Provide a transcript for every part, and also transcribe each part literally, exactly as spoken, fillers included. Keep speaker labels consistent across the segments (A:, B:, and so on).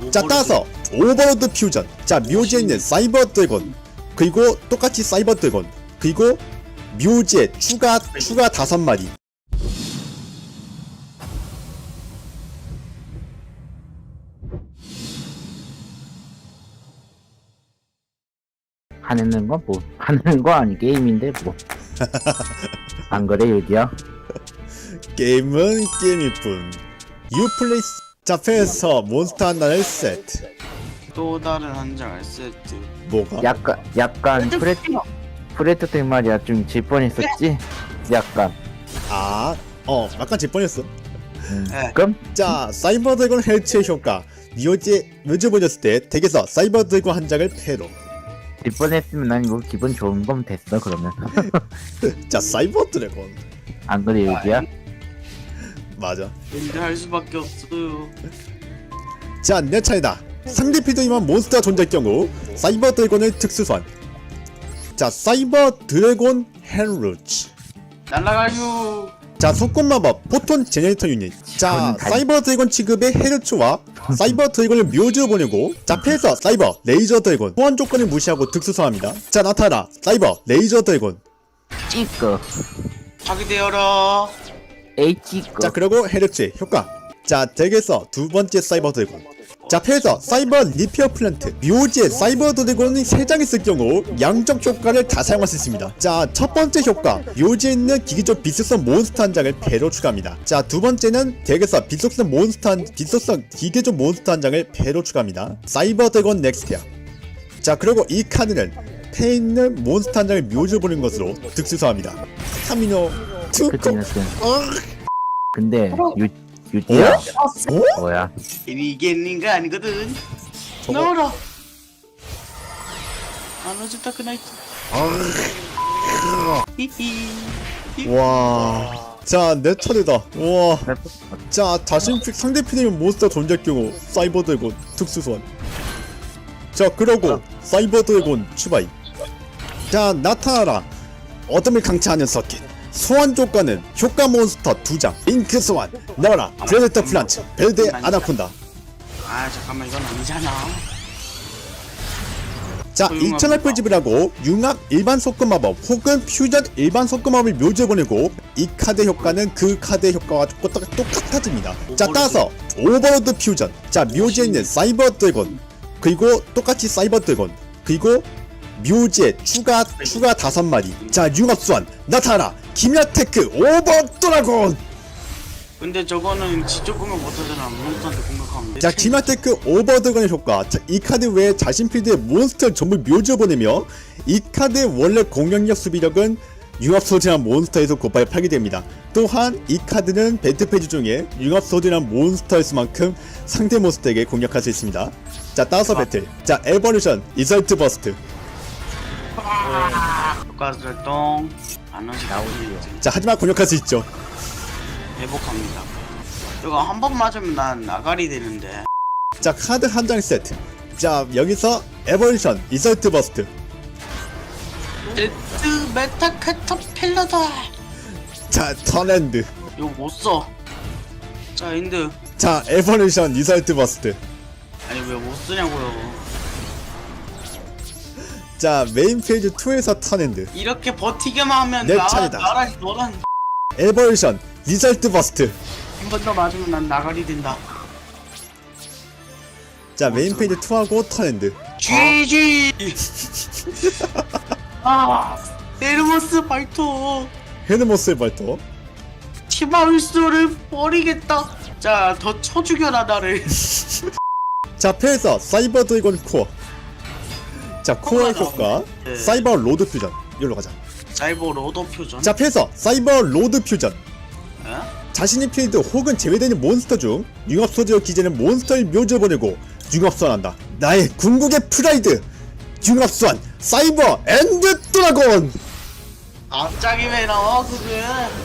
A: 자 따라서 오버로드 퓨전. 자 묘지에 있는 사이버 드래곤, 그리고 똑같이 사이버 드래곤, 그리고 묘지에 추가 추가 다섯 마리.
B: 하는 건 뭐 하는 거 아니 게임인데 뭐 안 그래 유디야?
A: 게임은 게임일 뿐. 유플레이스. 자 패에서 몬스터 하나를 세트.
C: 또 다른 한 장 세트.
A: 뭐가?
B: 약간 약간 프레 프레트 때 말이야 좀 질 뻔했었지. 약간.
A: 아, 어 약간 질 뻔했어.
B: 음.
C: 네.
B: 그럼
A: 자 사이버 드래곤 헬츠의 효과. 묘지에 묘지 보냈을 때 덱에서 사이버 드래곤 한 장을 패로.
B: 질 뻔했으면 난 이거 기분 좋은 건 됐어 그러면.
A: 자 사이버 드래곤.
B: 안 그래 유디야?
A: 맞아.
C: 근데 할 수밖에 없어요.
A: 자 내 차례다. 상대 필드이만 몬스터가 존재할 경우 사이버 드래곤을 특수 소환. 자 사이버 드래곤 헨루츠.
C: 날라가요.
A: 자 속권 마법 포톤 제네레이터 유닛. 자
B: 저는 다-
A: 사이버 드래곤 취급의 헤르츠와 사이버 드래곤을 묘지로 보내고, 자 패에서 사이버 레이저 드래곤 소환 조건을 무시하고 특수 소환합니다. 자 나타나 사이버 레이저 드래곤.
B: 찌꺼.
C: 자기 되어라.
B: 에이 찌꺼.
A: 자 그리고 헤르츠의 효과. 자 덱에서 두 번째 사이버 드래곤. 자 패에서 사이버 리페어 플랜트. 묘지에 사이버 드래곤이 세 장 있을 경우 양적 효과를 다 사용할 수 있습니다. 자 첫 번째 효과, 묘지에 있는 기기적 비속성 몬스터 한 장을 배로 추가합니다. 자 두 번째는 덱에서 비속성 몬스터 한 비속성 기계적 몬스터 한 장을 배로 추가합니다. 사이버 드래곤 넥스티아. 자 그리고 이 카드는 패에 있는 몬스터 한 장을 묘지로 보는 것으로 특수소합니다. 카미노 투코.
B: 그치는
A: 어?
B: 근데 유 유디야?
A: 어?
B: 뭐야?
C: 이게 있는 거 아니거든.
A: 저거-
C: 나와라. 안 오졌다 그 나이트. 히히.
A: 와. 자, 내 차례다. 와. 자, 자신 픽 상대 피디면 몬스터 존재할 경우 사이버 드래곤 특수 소환. 자, 그러고 사이버 드래곤 추바이. 자, 나타나라. 어둠을 강타하는 서킷. 소환 조건은 효과 몬스터 두 장, 잉크 소환, 나와라, 프레데터 플란트, 벨드 아나콘다.
C: 아 잠깐만 이건 아니잖아.
A: 자,
C: 소용없는
A: 이천 알프 지불하고 융합 일반 속금 마법 혹은 퓨전 일반 속금 마법을 묘지에 보내고, 이 카드 효과는 그 카드 효과와 똑같, 똑같아집니다. 자, 따라서 오버로드 퓨전. 자, 묘지에 있는 사이버 드래곤, 그리고 똑같이 사이버 드래곤, 그리고 묘지에 추가 추가 다섯 마리. 자, 융합 소환 나타나 김야테크 오버 드래곤.
C: 근데 저거는 지적 공격 못하잖아. 몬스터한테 공격하면.
A: 자, 김야테크 오버 드래곤의 효과. 자, 이 카드 외에 자신 필드의 몬스터를 전부 묘지로 보내며, 이 카드의 원래 공격력 수비력은 융합 소진한 몬스터에서 곱하여 파괴됩니다. 또한 이 카드는 배트 페이지 중에 융합 소진한 몬스터일 수만큼 상대 몬스터에게 공격할 수 있습니다. 자, 따라서 배틀. 자, 에버루션 이설트 버스트.
C: 효과 활동 안 오지나오지.
A: 자, 하지만 공격할 수 있죠.
C: 회복합니다. 이거 한 번 맞으면 난 나가리 되는데.
A: 자, 카드 한 장 세트. 자, 여기서 에버루션 이설트 버스트.
C: 데트 메타 캐터필러다.
A: 자, 턴핸드.
C: 이거 못 써. 자 인드.
A: 자, 에버루션 이설트 버스트.
C: 아니 왜 못 쓰냐고요.
A: 자, 메인 페이지 이에서 턴핸드.
C: 이렇게 버티기만 하면
A: 내
C: 나
A: 차례다.
C: 나랑 너랑
A: 에버루션 리설트 버스트.
C: 한 번 더 맞으면 난 나가리 된다.
A: 자, 메인 페이지 이하고 턴핸드.
C: 지지. 아, 에르모스 발토.
A: 헤르모스의 발톱.
C: 티마울스를 버리겠다. 자, 더 쳐 죽여라 나를.
A: 자, 패에서 사이버 드래곤 코어. 자, 코어의 효과
C: 네.
A: 사이버 로드 퓨전. 여기로 가자.
C: 사이버 로더 표전.
A: 자, 패에서 사이버 로드 퓨전.
C: 에?
A: 자신의 필드 혹은 제외되는 몬스터 중 융합 소지어 기재는 몬스터의 묘지를 보내고 융합 소환한다. 나의 궁극의 프라이드. 융합 소환 사이버 엔드 드래곤.
C: 갑자기 왜 나와 그게?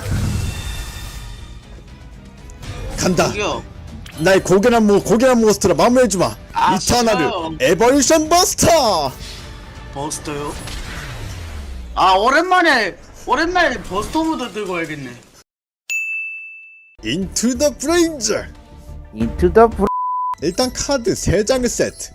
A: 간다.
C: 저기요.
A: 나의 고결한 모 고결한 몬스터로 마무리해주마.
C: 아,
A: 이터널을
C: 싫어요.
A: 에버루션 버스터.
C: 버스터요? 아 오랜만에 오랜만에 버스터 모드 들고 와야겠네.
A: 인투 더 브레인즈.
B: 인투 더
A: 일단 카드 세 장을 세트.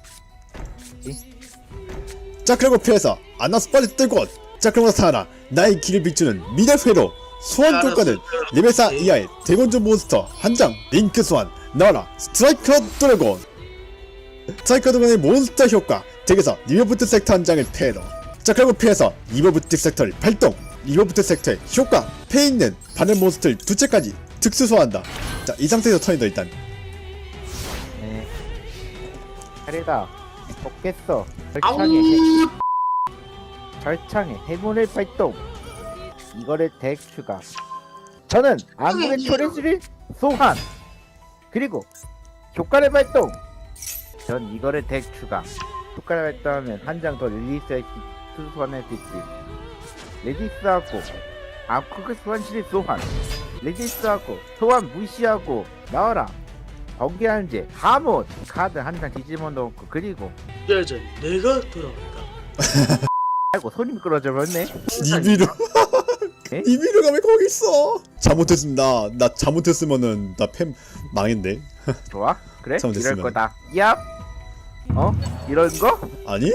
A: 자 그리고 피해서 아나스 빨리 뜨고. 자 그리고 나타나라 나의 길을 비추는 미래 회로. 소환 조건은 레벨 사 이하의 대건조 몬스터 한 장. 링크 소환 나와라 스트라이커 드래곤. 스트라이커 드래곤의 몬스터 효과 덱에서 리버부트 섹터 한 장을 패로. 자 그리고 피해서 리버부트 섹터를 발동. 리버부트 섹터의 효과 패 있는 바늘 몬스터를 두 채까지 특수 소환한다. 자 이 상태에서 턴이다. 일단
B: 네. 차례다. 먹겠어.
C: 아우
B: 절창의 해, 절창의 해문을 발동. 이거를 덱 추가. 저는 암흑의 초래수를 소환. 그리고 효과를 발동. 전 이거를 덱 추가. 효과를 발동하면 한 장 더 릴리스할 수 소환할 수 있지. 레디스하고 암흑의 소환실을 소환. 레디스하고 소환 무시하고 나와라. 번개한제 하몬 카드 한 장 뒤집어 놓고. 그리고
D: 짜잔, 내가 돌아왔다.
B: 아이고 손이 미끄러져 버렸네.
A: 니비루.
B: 에?
A: 니비루가 왜 거기 있어? 잘못했습니다. 나 잘못했으면은 나 팸 망했네.
B: 좋아? 그래?
A: 잘못했으면.
B: 이럴 거다. 얍. 어? 이런 거?
A: 아니?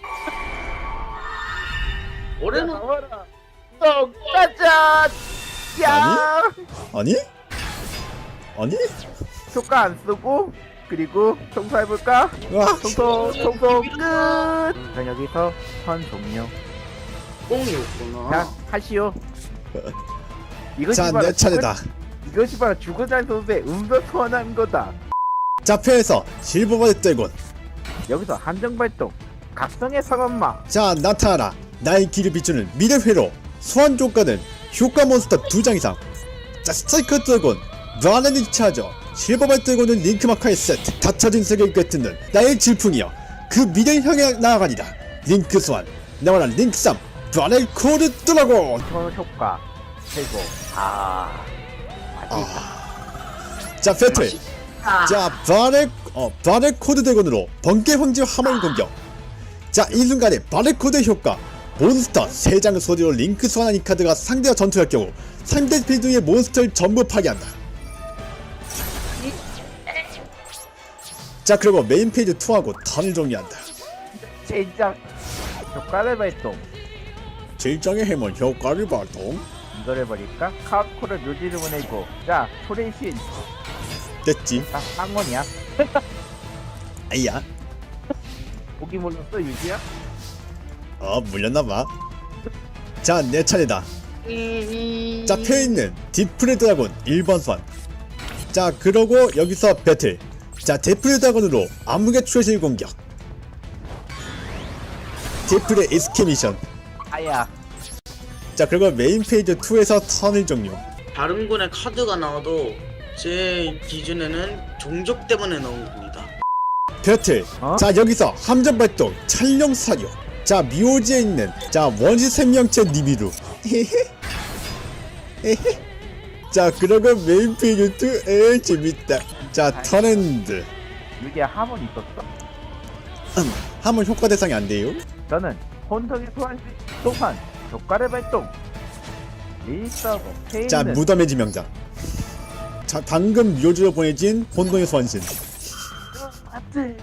D: 올해는
B: 똥 짜잔. 야.
A: 아니? 아니?
B: 효과 안 쓰고 그리고 청소해볼까?
A: 와.
B: 청소 청소 끝. 그럼 여기서 선 종료.
D: 꽁이었구나.
B: 자 하시오. 이것이
A: 자,
B: 바로
A: 내 차례다.
B: 죽은- 이것이 바로 죽은자 선수의 음성 소환한 거다.
A: 자, 패에서 실버바디 떼곤.
B: 여기서 한정 발동. 각성의 상엄마.
A: 자, 나타나라. 나의 길을 비추는 미래 회로. 소환 조건은 효과 몬스터 두 장 이상. 자, 스트라이커 드래곤. 브라렌이 차저. 실버바디 떼곤은 링크마카의 세트. 닫혀진 세계를 꿰뚫는 나의 질풍이여. 그 미래를 향해 나아가리라. 링크 소환. 나와라 링크 삼. 브라렌 코드 드래곤.
B: 저 효과 최고. 아 맛있다.
A: 자, 배틀. 자, 바레 어 바레 코드 대건으로 번개 황제 화물 공격. 자, 이 순간에 바레 코드 효과. 몬스터 세 장을 소리로 링크 소환한 이 카드가 상대와 전투할 경우 상대 필드의 몬스터를 전부 파괴한다. 자, 그리고 메인 페이지 이하고 턴을 정리한다.
B: 진짜 효과를 발동.
A: 질정의 해문 효과를 발동.
B: 이거를 버릴까? 카우코를 묘지를 보내고. 자 초래신.
A: 됐지.
B: 딱 쌍원이야.
A: 아이야.
B: 보기 몰랐어 유지야?
A: 어, 물렸나봐. 자, 내 차례다. 자, 패있는 디프레 드라곤 일 번 소환. 자, 그러고 여기서 배틀. 자, 디프레 드라곤으로 암흑의 추실 공격. 디프레 이스케미션.
B: 아야.
A: 자, 그리고 메인 페이지 이에서 턴을 종료.
D: 다른 군의 카드가 나와도 제 기준에는 종족 때문에 나온 겁니다.
A: 배틀.
B: 어?
A: 자, 여기서 함정 발동 찰령 사료. 자, 미오지에 있는 자 원시 생명체 니비루. 자, 그러고 메인 페이지 이. 에 재밌다. 자, 턴엔드.
B: 유지야 하몬 있었어?
A: 함은 효과 대상이 안 돼요.
B: 저는 혼성의 소환 소환 효과를 발동. 리스하고 페이는.
A: 자, 무덤의 지명자. 자, 방금 묘지로 보내진 혼돈의 소환신.
B: 안돼.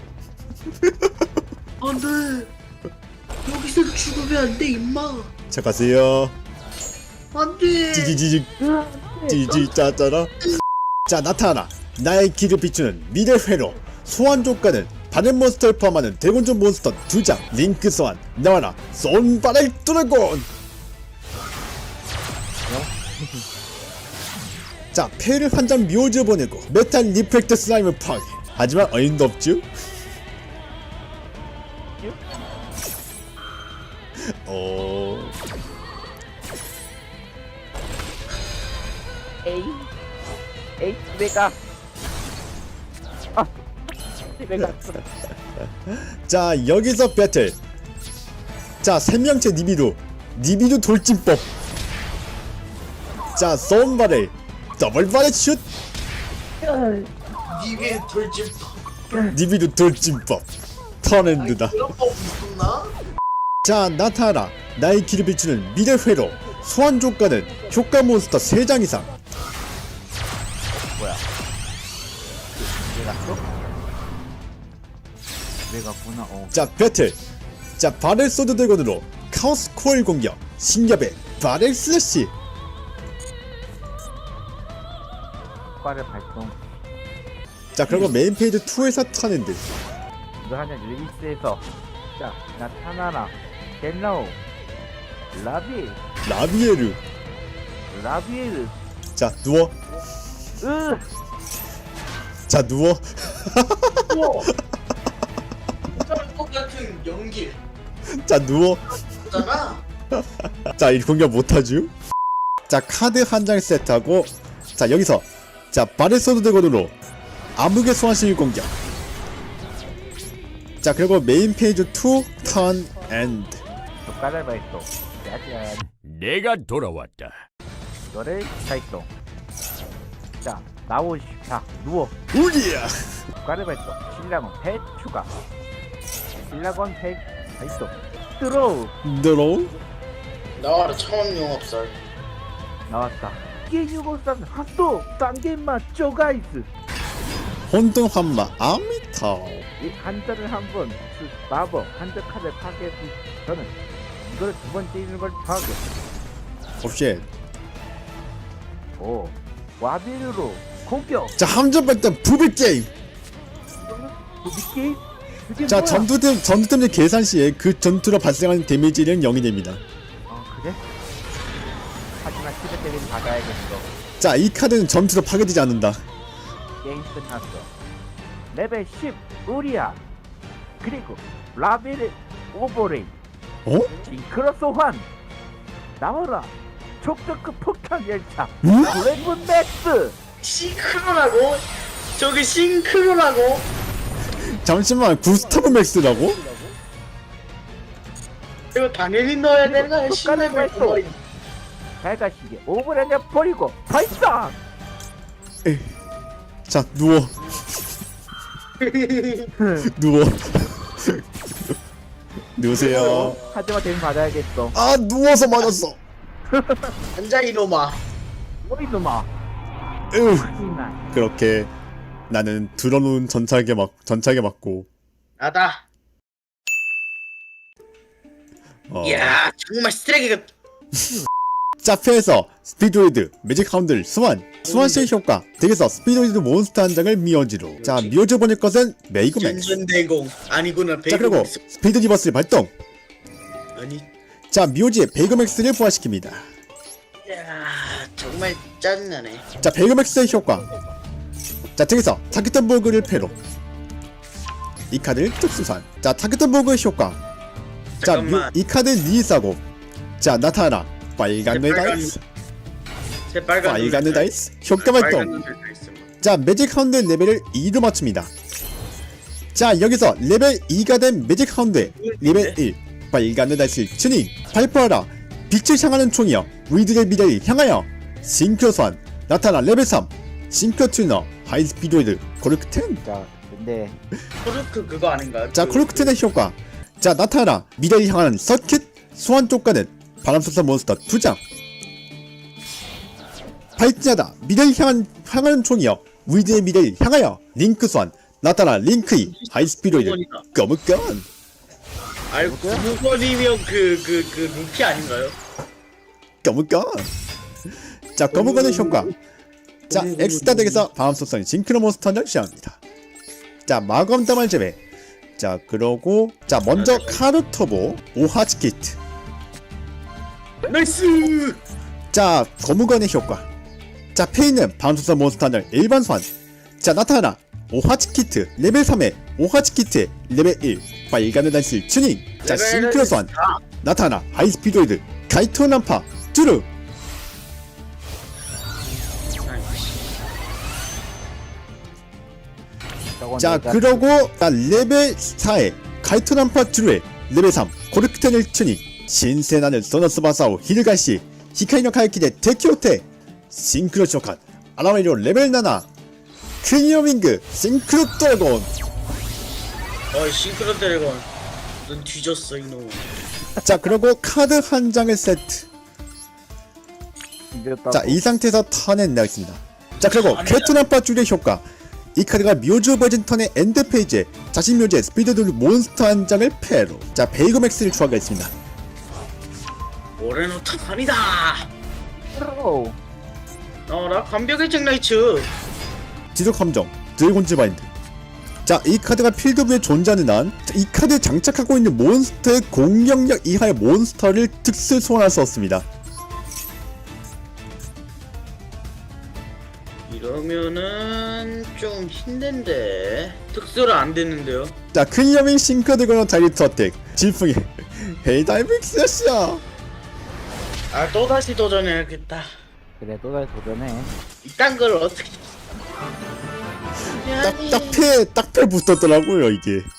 D: 안돼. 여기서 죽으면 안돼 임마.
A: 자, 가세요.
D: 안돼.
A: 찌지지직 찌지 짜짜라. 자, 나타나라. 나의 길을 비추는 미래 회로. 소환 조건은 바늘 몬스터를 포함하는 대곤종 몬스터 두 장. 링크 소환. 나와라 쏜바렐 드래곤. 자, 패를 한 장 묘지로 보내고 메탈 리프렉트 슬라임을 파괴. 하지만 어인도 없죠. 어...
B: 에이 에이 내가 아 내가
A: 자, 여기서 배틀. 자, 생명체 니비루. 니비루 돌진법. 자, 쏜바렐 더블 바렐 슛.
D: 니게 돌집
A: 니비루 돌진법. 턴엔드다.
D: 그런 법 있었나?
A: 자, 나타나라. 나의 길을 비추는 미래 회로. 소환 조건은 효과 몬스터 세 장 이상.
B: 뭐야? 내가 또 내가구나. 어.
A: 자 배틀. 자 바렐 소드 드래곤으로 카오스 코일 공격 신겹의 바렐 슬래시.
B: 효과를 발동.
A: 자 그리고 메인 페이지 이에서 턴엔드.
B: 이거 하냐 릴리스에서 자 나타나라 델라오 라비
A: 라비에르.
B: 라비에르
A: 자 누워.
B: 으
A: 자 누워.
D: 우와. 똑같은 연기.
A: 자 누워.
D: 잖아.
A: 자 이 공격 못하죠. 자 카드 한 장 세트하고 자 여기서 자 바렐 소드 드래곤으로 암흑의 소환실 공격. 자 그리고 메인 페이지 이 턴 엔드.
B: 효과를 발동. 짜잔
E: 내가 돌아왔다.
B: 이거를 발동. 자 나오시. 자 누워.
A: 우리야.
B: 효과를 발동. 신라곤 펫 추가. 신라곤 펫 발동. 들어오.
A: 드로우.
D: 나와라 차원 용업설.
B: 나왔다. 끼유고산 핫도 단계마 쪼가이스.
A: 혼돈 환마 아미타오.
B: 이 한자를 한번 마법 한자 카드 파괴. 저는 이걸 두 번째 있는 걸 파괴.
A: 옵쉣.
B: 오 와비르로 공격.
A: 자 함정 발동 부비 게임.
B: 부비게임? 그게
A: 자
B: 뭐야?
A: 전투템 전투템의 계산 시에 그 전투로 발생하는 데미지는 영이 됩니다.
B: 어 그래? 하지만 시드 때리는 받아야겠어.
A: 자 이 카드는 전투로 파괴되지 않는다.
B: 게임 끝났어. 레벨 십 우리야. 그리고 라벨 오버레이.
A: 어?
B: 징크로 소환. 나와라. 촉덕급 폭탄 열차.
A: 응?
B: 블랙문 맥스.
D: 싱크로라고? 저게 싱크로라고?
A: 잠시만 구스타브 맥스라고?
D: 이거 당연히 넣어야 되는 거야.
B: 효과를
D: 신뢰를
B: 발동.
D: 버린.
B: 발가시게 오버랜드 버리고 발사.
A: 에이. 자 누워. 누워. 누우세요.
B: 하지만 대신 받아야겠어.
A: 아 누워서 맞았어.
D: 앉아 이놈아.
B: 뭐 이놈아.
A: 으.
B: 하지만
A: 그렇게 나는 들어놓은 전차게 막 전차게 맞고.
D: 나다.
A: 어.
D: 이야 정말 쓰레기가.
A: 자 패에서 스피드웨이드 매직 하운드를 소환. 소환실 효과 덱에서 스피드웨이드 몬스터 한 장을 미어지로. 자 미어져 보낼 것은 메이그맥스.
D: 전전대공 아니구나.
A: 자 그리고
D: 베이글.
A: 스피드 리버스를 발동.
D: 아니.
A: 자 묘지의 베이그맥스를 부활시킵니다.
D: 야 정말 짜증나네.
A: 자 베이그맥스의 효과. 자 덱에서 타겟턴버그를 패로. 이 카드를 특수산. 자 타겟턴버그의 효과. 자
D: 잠깐만.
A: 이 카드는 리사고. 자 나타나 빨간 뇌
D: 빨간
A: 다이스.
D: 제 빨간
A: 빨간 뇌
D: 눈을
A: 다이스 효과 발동.
D: 빨간 눈을 다 있어.
A: 자 매직 하운드 레벨을 이로 맞춥니다. 자 여기서 레벨 이가 된 매직 하운드의 레벨 일 빨간 뇌 다이스 튜닝. 발포하라 빛을 향하는 총이여 위드의 미래를 향하여. 싱크로 소환 나타나 레벨 삼 싱크로 튜너 하이스피드웨이드 코르크텐.
B: 자 근데
D: 코르크 그거 아닌가요?
A: 자
D: 그-
A: 코르크텐의 효과. 자 나타나 미래를 향하는 서킷 소환 쪽가는 바람소사 몬스터 두 장. 발진하다 미래를 향한 향하는 총이여 위드의 미래를 향하여. 링크 소환 나타나 링크이 하이스피드웨이드
D: 구번이다.
A: 검은건.
D: 아이고 구번이면 그 그 그 루피 아닌가요?
A: 검은건. 자 검은건의 효과. 자 엑스타 덱에서 바람소사 징크로 몬스터 한 장 시작합니다. 자 마검 다말 제외. 자 그러고 자 먼저 카르터보 오하치 키트.
D: 나이스.
A: 자 거무건의 효과. 자 페이는 바람소사 몬스터 한 장 일반 소환. 자 나타나 오하치 키트 레벨 삼의 오하치 키트의 레벨 일 빨간의 단실 튜닝. 자
D: 레벨
A: 싱크로 소환 나타나 하이스피드웨이드 가이토 난파 쭈르.
B: 저건
A: 자
B: 내가
A: 그러고 자 레벨 사의 가이토 난파 쭈르의 레벨 삼 고르크텐을 튜닝. 신세나는 소너스 바사오 히르가시 히카이노 카이키데 데키오테 싱크로 쇼칸 아라메리오 레벨 칠 클리어밍그 싱크로 드래곤.
D: 어이 싱크로 드래곤 넌 뒤졌어 이놈.
A: 자 그리고 카드 한 장을 세트.
B: 이겼다고.
A: 자 이 상태에서 턴에 내겠습니다. 자 그리고 캐토난파 줄의 효과. 이 카드가 묘즈 버전 턴의 엔드 페이지에 자신 묘지의 스피드 돌 몬스터 한 장을 패로. 자 베이거맥스를 추가하겠습니다.
D: 올해는 턴이다.
B: 오,
D: 나와라 완벽의 잭라이츠.
A: 지속 함정 드래곤즈 바인드. 자 이 카드가 필드부에 존재하는 한 이 카드에 장착하고 있는 몬스터의 공격력 이하의 몬스터를 특수 소환할 수 없습니다.
D: 이러면은 좀 힘든데 특수를 안 됐는데요.
A: 자 크리어밍 싱크드거너 다이렉트 어택 질풍이 헤이다이빙 스샷이야.
D: 아 또다시 도전해야겠다.
B: 그래 또다시 도전해.
D: 이딴 걸 어떻게
A: 딱딱패 딱패 붙었더라고요 이게.